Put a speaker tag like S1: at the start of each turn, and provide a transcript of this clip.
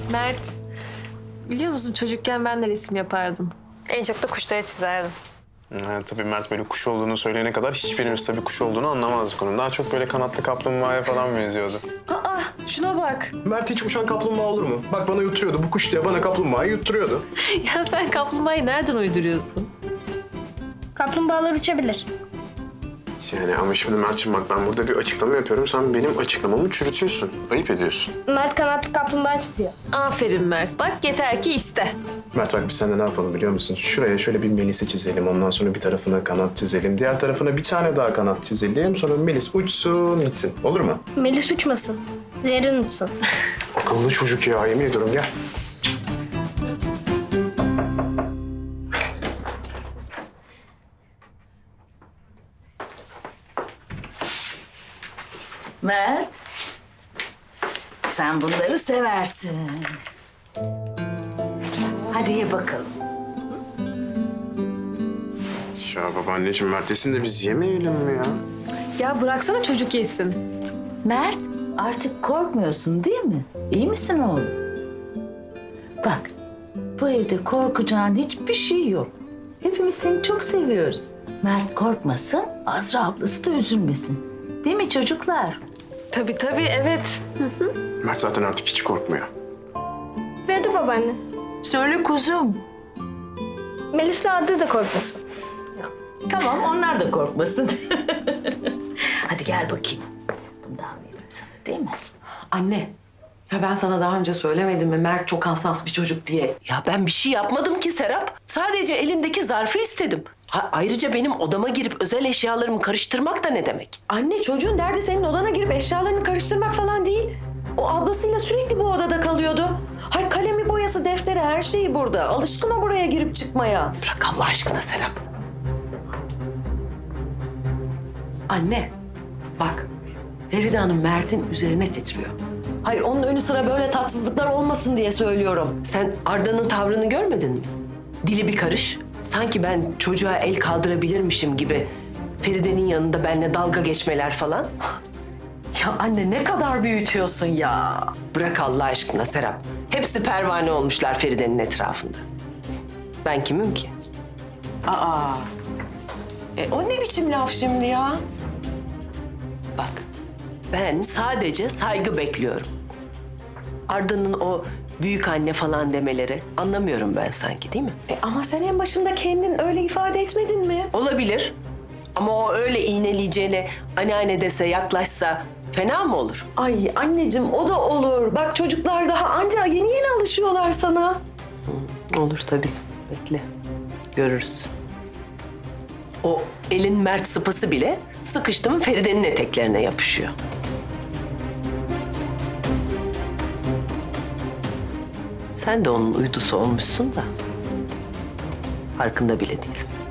S1: Mert, biliyor musun çocukken ben de resim yapardım. En çok da kuşları çizerdim.
S2: Tabii Mert böyle kuş olduğunu söyleyene kadar hiçbirimiz tabii kuş olduğunu anlamazdık onun. Daha çok böyle kanatlı kaplumbağaya falan benziyordu.
S1: Aa, şuna bak.
S3: Mert hiç uçan kaplumbağa olur mu? Bak bana yutturuyordu. Bu kuş diye bana kaplumbağayı yutturuyordu.
S1: Ya sen kaplumbağayı nereden uyduruyorsun?
S4: Kaplumbağalar uçabilir.
S2: Yani ama şimdi Mert'ciğim bak ben burada bir açıklama yapıyorum. Sen benim açıklamamı çürütüyorsun. Ayıp ediyorsun.
S4: Mert kanatlı kaplumbağa çiziyor.
S1: Aferin Mert. Bak yeter ki iste.
S3: Mert bak biz seninle ne yapalım biliyor musun? Şuraya şöyle bir Melis'i çizelim. Ondan sonra bir tarafına kanat çizelim. Diğer tarafına bir tane daha kanat çizelim. Sonra Melis uçsun gitsin. Olur mu?
S4: Melis uçmasın. Zerrin uçsun.
S3: Akıllı çocuk ya. Yemin ediyorum gel.
S5: Mert, sen bunları seversin. Hadi ye bakalım.
S2: Ya babaanneciğim Mert desin de biz yemeyelim mi ya?
S1: Ya bıraksana çocuk yesin.
S5: Mert, artık korkmuyorsun değil mi? İyi misin oğlum? Bak, bu evde korkacağın hiçbir şey yok. Hepimiz seni çok seviyoruz. Mert korkmasın, Azra ablası da üzülmesin. Değil mi çocuklar?
S1: Tabii evet.
S2: Mert zaten artık hiç korkmuyor.
S4: Verdi babaanne.
S5: Söyle kuzum.
S4: Melis'le Arda da korkmasın.
S5: Tamam, onlar da korkmasın. Hadi gel bakayım. Bundan vereyim sana değil mi?
S6: Anne, ya ben sana daha önce söylemedim mi Mert çok hassas bir çocuk diye?
S7: Ya ben bir şey yapmadım ki Serap. Sadece elindeki zarfı istedim. Ayrıca benim odama girip özel eşyalarımı karıştırmak da ne demek?
S6: Anne çocuğun derdi senin odana girip eşyalarını karıştırmak falan değil. O ablasıyla sürekli bu odada kalıyordu. Hay kalemi, boyası, defteri her şeyi burada. Alışkın o buraya girip çıkmaya.
S7: Bırak Allah aşkına Serap.
S6: Anne, bak Feride Hanım Mert'in üzerine titriyor. Hayır onun önü sıra böyle tatsızlıklar olmasın diye söylüyorum.
S7: Sen Arda'nın tavrını görmedin mi? Dili bir karış. Sanki ben çocuğa el kaldırabilirmişim gibi. Feride'nin yanında benimle dalga geçmeler falan.
S6: Ya anne ne kadar büyütüyorsun ya.
S7: Bırak Allah aşkına Serap. Hepsi pervane olmuşlar Feride'nin etrafında. Ben kimim ki?
S6: Aa, o ne biçim laf şimdi ya?
S7: Bak, ben sadece saygı bekliyorum. Arda'nın o büyük anne falan demeleri anlamıyorum ben sanki değil mi?
S6: Ama sen en başında kendin öyle ifade etmedin mi?
S7: Olabilir. Ama o öyle iğneleyeceğine anneanne dese, yaklaşsa fena mı olur?
S6: Ay anneciğim o da olur. Bak çocuklar daha anca yeni alışıyorlar sana.
S7: Olur tabii. Bekle. Görürüz. O elin mert sıpası bile sıkıştı mı Feride'nin eteklerine yapışıyor. Sen de onun uydusu olmuşsun da farkında bile değilsin.